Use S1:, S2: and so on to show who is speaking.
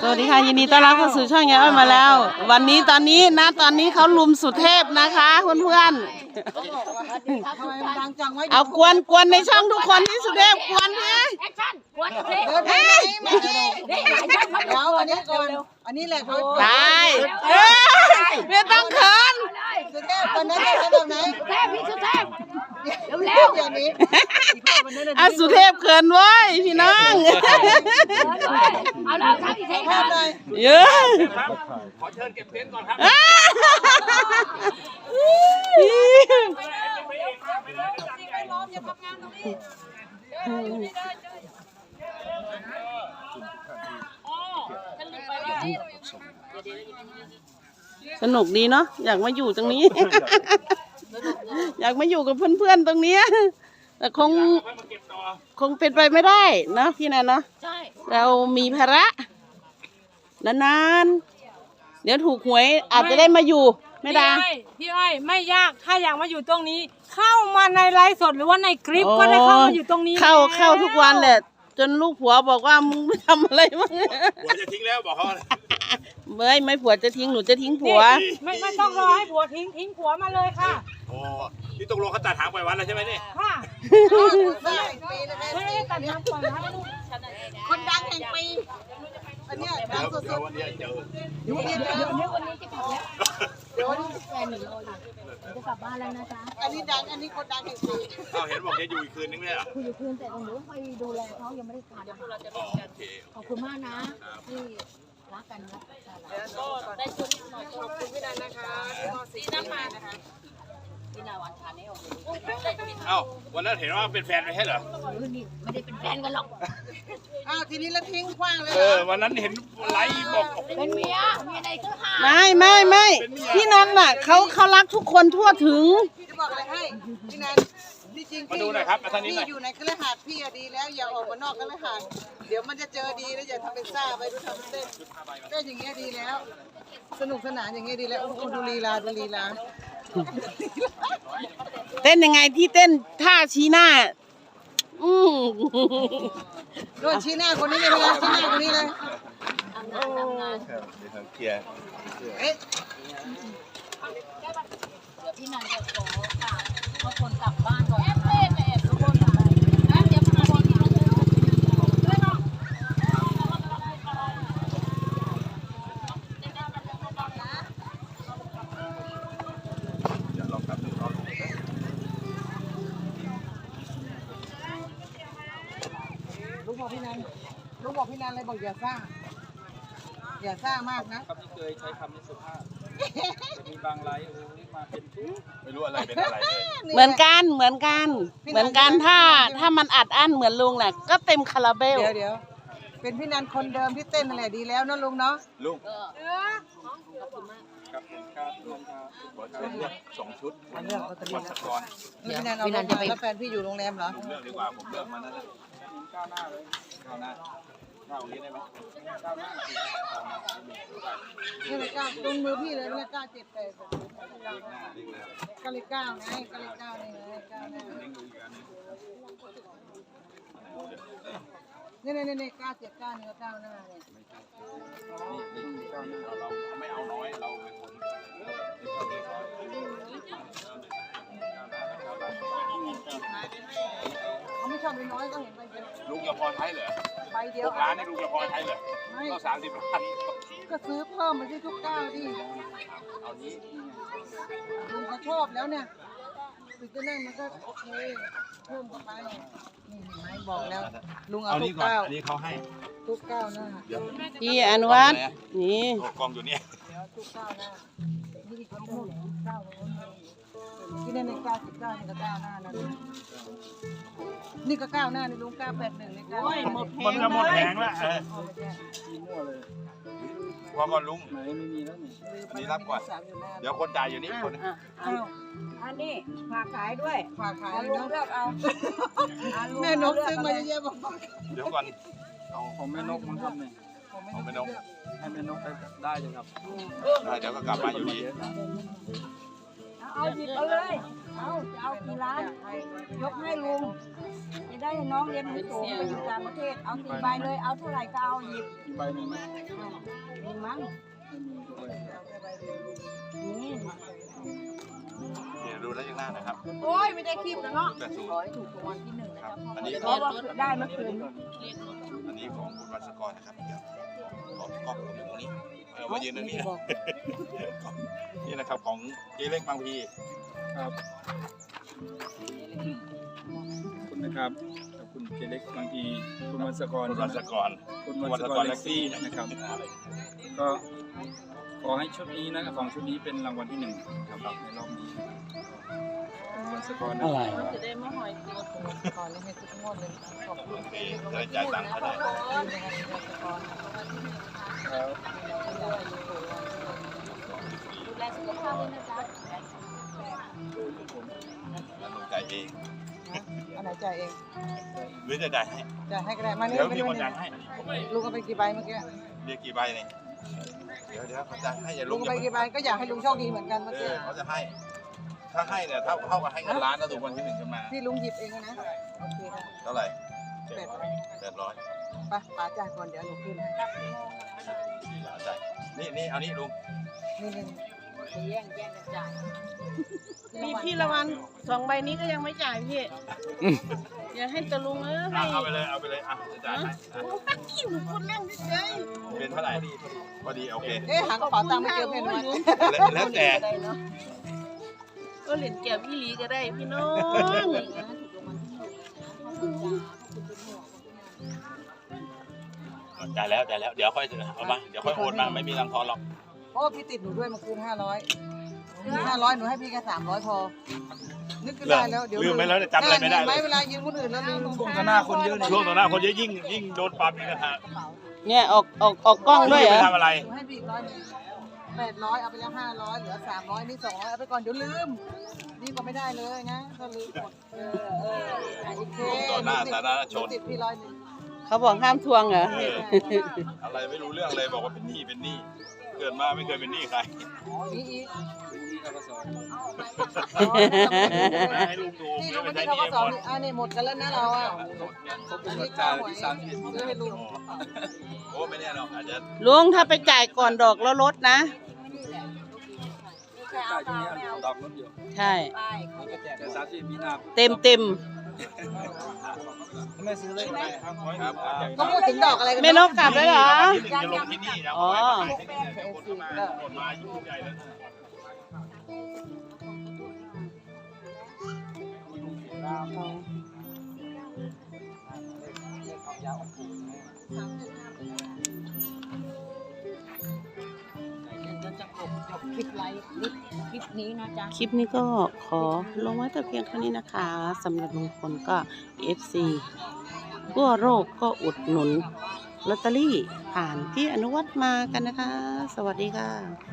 S1: สวัสดีค่ะยินดีต้อนรับเข้าสู่ช่องยายอ้อยมาแล้ว วันนี้ตอนนี้เขาลุมสุเทพนะคะเพื่อนๆเอากวนในช่องทุกคนที่สุเทพกวนพี่
S2: แล้วอันนี้ก่อนอันนี้แหละเขา
S1: ตายไม่ต้องเขิน
S2: สุเทพคนนั้นจะแบบไหน
S3: สุเทพพี่สุเทพเร็วๆ
S2: อย่างนี้
S1: เอาสุเทพเขินเว้ยพี่น้อง
S3: เอาแล้วทำอีกทีครับ
S1: เยอะ
S4: ขอเชิญเก็บเต็นท์ก่อนครับ
S1: สนุกดีเนาะอยากมาอยู่ตรงนี้ อยากมาอยู่กับเพื่อนๆตรงนี้แต่คงเป็นไปไม่ได้นะพี่แนนเนาะเรามีภาระนานๆเดี๋ยวถูกหวยอาจจะได้มาอยู่ไม่ได้
S5: พี่อ้อยไม่ยากถ้าอยากมาอยู่ตรงนี้ เข้ามาในไลฟ์สดหรือว่าในคลิปก็ได้เข้ามาอยู่ตรงนี้
S1: เข้าทุกวันแหละจนลูกผัวบอกว่ามึงไม่ทำอะไรมั้ง
S4: ผัวจะทิ้งแล้วบอกเขา
S1: ไม่ผัวจะทิ้งหนูจะทิ้งผัว
S5: ไม่ต้องรอให้ผัวทิ้งผัวมาเลยค่ะ
S4: โอ้นี่ตกลงเขาตัดหางปล่อยวัดแล้วใช่ไหมนี่
S5: ค่ะไม่ได้ตัดหางปล่อยวัด
S2: คนดังแห่งปีอันนี้ดังสุดๆ
S4: วันนี้เจอ
S3: วันนี้จะกลับแล้วแฟนหนูรออยู่จะกลับบ้านแล้วนะจ๊ะ
S2: อันนี้ดังอันนี้คนดังแห่งปี
S4: เห็นบอกจะอยู่อีกคืนนึงเลยเหรอ
S3: คุยอยู่คืนแต่หนูไปดูแลเขายังไม่ได้ทานขอบคุณมากนะที่รักกันนะ
S5: ก็ได้ชุดหน่อยขอบคุณพี่นันนะคะที่น้ำมานะคะ
S3: พี่นาวันชาแนล
S4: เอ้าวันนั้นเห็นว่าเป็นแฟนไม่ใช่เหรอ
S3: นี่ไม่ได้เป็นแฟนกันหรอก
S2: อ้าวทีนี้แล้วทิ้งขว้างเลย
S4: วันนั้นเห็นไลฟ์บอก
S3: เป็นเมียในก็หา
S1: ไม่พี่นันน่ะเขารักทุกคนทั่วถึง
S2: พี่จะบอกอะไรให้พี่นันที่จริงพี่อยู่ในคฤหาสน์พี่ดีแล้วอย่าออกมานอกคฤหาสน์เดี๋ยวมันจะเจอดีแล้วอย่าทำเป็นซ่าไปดูทำเป็นเต้นก็อย่างเงี้ยดีแล้วสนุกสนานอย่างเงี้ยดีแล้วดูลีลา
S1: เต้นยังไงที่เต้นท่าชี้หน้า
S2: โดนชี้หน้าคนนี้เลยนะชี้หน้าคนนี้เลย
S4: เดี๋ยวเคลียร์
S3: พี่นันจะขอกราบขอบคนกลับบ้านก่อนทุกคนค่ะเดี๋ยวมาคน
S2: ลูกบอกพี่นันเลยบอกอย่าซ่ามากนะ
S6: คำที่เคยใช้คำนี้สุภาพมีบางไลฟ์มาเป็น
S4: ไม่รู้อะไรเป็นอะไรเลย
S1: เหมือนกันถ้ามันอัดอั้นเหมือนลุงแหละก็เต็มคาราเบล
S2: เดี๋ยวเป็นพี่นันคนเดิมที่เต้นนั่นแหละดีแล้วนะลุงเนาะ
S4: ลุง
S6: ครับผมครับ
S4: ขอเชิญเลือก2 ชุด
S2: เลือกเอาตะลี
S4: วัศกร
S2: พี่นันเอาแล้วแฟนพี่อยู่โรงแรมเหรอ
S4: เลือกดีกว่าผมเลือกมานั่นแหละ
S6: ก้าวหน้าเลย
S4: ก้าวหน้านี้ได้ไหม
S6: ก้าวหน้า
S2: นี่เลยก้าวตรงมือพี่เลยไม่ก้าว7 8ก็เลยก้าวไงก็เลยก้าวนี่ไงก้าวนี่ก้าว7 9นี่ก็ก้าวหน้าเนี่ย
S4: เราไม่เอาน้อยเราเป็นคน
S2: เขาไม่ชอบน้อยก็เห็นไปเยอะ
S4: ลุงกับพอใช้เหรอ
S2: ใบเดียว
S4: ร้านนี่ลุงกับพอใช้เหรอก็30 ล้าน
S2: ก็ซื้อเพิ่มมาที่ทุกก้าวดิ
S4: เอานี้
S2: ลุงเขาชอบแล้วเนี่ยถึงจะนั่งมันก็โอเคเพิ่มไปนี่เห็นไหมบอกแล้วลุงเอาทุกก้าว
S4: อันนี้เขาให้
S2: ทุกก้าวหน้า
S1: พี่อนุวัฒน์นี่
S4: กองอยู่เนี่ย
S2: ทุกก้าวหน้านี่ก็ก้าวที่นั่นในก้าว19นี่ก็ก้าวหน้านะนี่ก็ก้าวหน้านี่ลุง981นี่ก้าว
S4: มันจะหมดแผงแล้วพอก่อนลุงอันนี้รับก่อนเดี๋ยวคนจ่ายอยู่นี่คน
S5: อันนี้ฝากขายด้วย
S2: ฝากขาย
S5: ลุงเลือกเอา
S2: แม่นกซื้อมาเยอะๆบอก
S4: เดี๋ยวก่อน
S6: เอาของแม่นกมันครับเนี่ย
S4: ของแม่นก
S6: ให้แม่นกได้จังครับ
S4: ได้เดี๋ยวก็กลับมาอยู่ดี
S5: เอาหยิบเอาเลยเอากี่ล้านยกให้ลุง
S2: ได้น้องเรียนหนังสือไปอยู่ต่างประเทศเอา4 ใบเลยเอาเท่าไหร่ก็เอาหยิบ
S6: มีใบหนึ่งไหม
S2: มีมั้ง
S4: เดี๋ยวดูแล้วยังหน้านะครับ
S2: โอ้ยไม่ได้คลิปนะเนาะ
S4: แต่สู
S3: ขอให้ถูกรางวัลที่หนึ่งนะ
S4: ครั
S3: จ๊ะ
S4: บ
S3: พ่อ
S4: อันนี้
S2: เพราะว่าได้เมื่อคืน
S4: อันนี้ของคุณวัชกรนะครับเดี๋ยวขอกล้องตรงนี้มายืนตรงนี้นะนี่นะครับของเจเล็กบางพี
S6: ครับขอบคุณนะครับขอบคุณเจเล็กบางทีคุณวัชกร
S4: คุณวัชกร
S6: คุณวัชกรเล็กซี่นะครับ ก็ขอให้ชุดนี้นะของชุดนี้เป็นรางวัลที่หนึ่งครับในรอบนี้คุณวัชกรอะไร
S3: จะได้มาหอยตัวก่อนเลยให้ทุกงวดเลยขอบคุณ
S4: โอเคจะได้จ่ายตังค์ก็ได้
S6: ครับ
S3: ดูแลสุขภาพด้วยนะจ๊ะ
S4: แล้วลุงจ่ายเอง
S2: อันไหนจ่ายเอง
S4: หรือจะจ่ายให้
S2: จ่ายให้ก็ได้มานี่
S4: เดี๋ยว
S2: มา
S4: มี
S2: ดู
S4: คน
S2: นี่
S4: จ่ายให้
S2: ลุงเอาไปกี่ใบเมื่อกี้
S4: เรียกกี่ใบเนี่ยเดี๋ยวเขาจ่ายให้อย่า
S2: ลุ
S4: ลุ
S2: ง
S4: ง
S2: เอาไปกี่ใบก็อยากให้ลุงโชคดีเหมือนกันเมื่อกี้
S4: เขาจะให้ ถ้าให้เนี่ยเท่ากับให้เงินล้านแล้วถูกวันที่หนึ่งขึ้นมา
S2: ที่ลุงหยิบเองนะโอเคค่ะ
S4: เท่าไหร่
S2: 800
S4: 800
S2: ไปป๋าจ่ายก่อนเดี๋ยวหนูคืนให้
S4: จ่ายนี่เอานี่ลุง
S2: นี่
S3: จะแย่งกันจ่าย
S1: มีพี่ละวัน2 ใบนี้ก็ยังไม่จ่ายพี่อย่าให้ตะลุงให้
S4: เอาไปเลยอ่ะจะจ่ายให้
S1: โอ้ยหนูคนเล่นเฉย
S4: เป็นเท่าไหร่พอดีโอเค
S2: เอ๊ะหากระเป๋าตังค์ไม่เจอเพนวัน
S4: แล้วแต่
S1: ก็เหรียญแก้วพี่ลีก็ได้พี่น้อง
S4: จ่ายแล้วเดี๋ยวค่อยเอามาเดี๋ยวค่อยโอนมาไม่มีรังทอนหรอก
S2: เพราะว่าพี่ติดหนูด้วยเมื่อคืน500หนูให้พี่แค่300พอ นึกขึ้นได้แล้วเดี๋ยว
S4: ลืมไปแล้วจำอะไรไม่ได้
S2: ไหม
S4: เลย
S2: เวลายืมคนอื่นแล้วลืม
S6: ช่วงข้างหน้าคนเยอะเนี่ย
S4: ช่วงต่อหน้าคนเยอะยิ่งโดนปรับอีกนะฮะ
S1: เนี่ยออกกล้องด้วยเหรอ
S4: ไม่ทำอะไร
S2: หนูให้พี่800เอาไปแล้ว500เหลือ300นี่200เอาไปก่อนเดี๋ยวลืมนี่ก็ไม่ได้เลยนะก็ลืมหมดโอเค
S4: ต่อหน้าสาธารณชน
S2: ติดพี่100
S1: เขาบอกห้ามทวงเหรอ
S4: อะไรไม่รู้เรื่องเลยบอกว่าเป็นหนี้เกิดมาไม่เคยเป็นหนี้ใคร
S2: นี่อีก
S4: ให้ลุงดู
S2: นี่
S4: ไม่
S2: ลุง
S4: เป็น
S2: ไม่
S4: ไร
S2: ได้
S4: นี่
S2: เขาก็สอนนี่หมดกันแล้วนะเราอ่ะ
S6: ครบกำหนดจ่ายวันที่31
S2: ซื้อให้ลุง
S4: โอ้ไม่แน่หรอกอาจจะ
S1: ลุงถ้าไปจ่ายก่อนดอกแล้วลดนะ
S6: จ่ายตรงนี้ดอกลดอยู่
S1: ใช่
S6: แต่30มีนา
S1: เต็ม
S6: ไม่ซื้อเลยครับ
S4: ครับ
S2: ก็พูดถึงดอกอะไรกัน
S1: แม่นกกลับแล้วเหรอ
S4: จะลงที่นี่แล้ว
S1: อ๋อ
S4: คนมายุ่งใหญ่แล้ว
S3: เราจะจบคลิปไลฟ์คลิปนี้นะจ๊ะ
S1: คลิปนี้ก็ขอลงไว้แต่เพียงเท่านี้นะคะสำหรับลุงพลก็ FC ทั่วโลกก็อุดหนุนลอตเตอรี่ผ่านพี่อนุวัฒน์มากันนะคะ สวัสดีค่ะ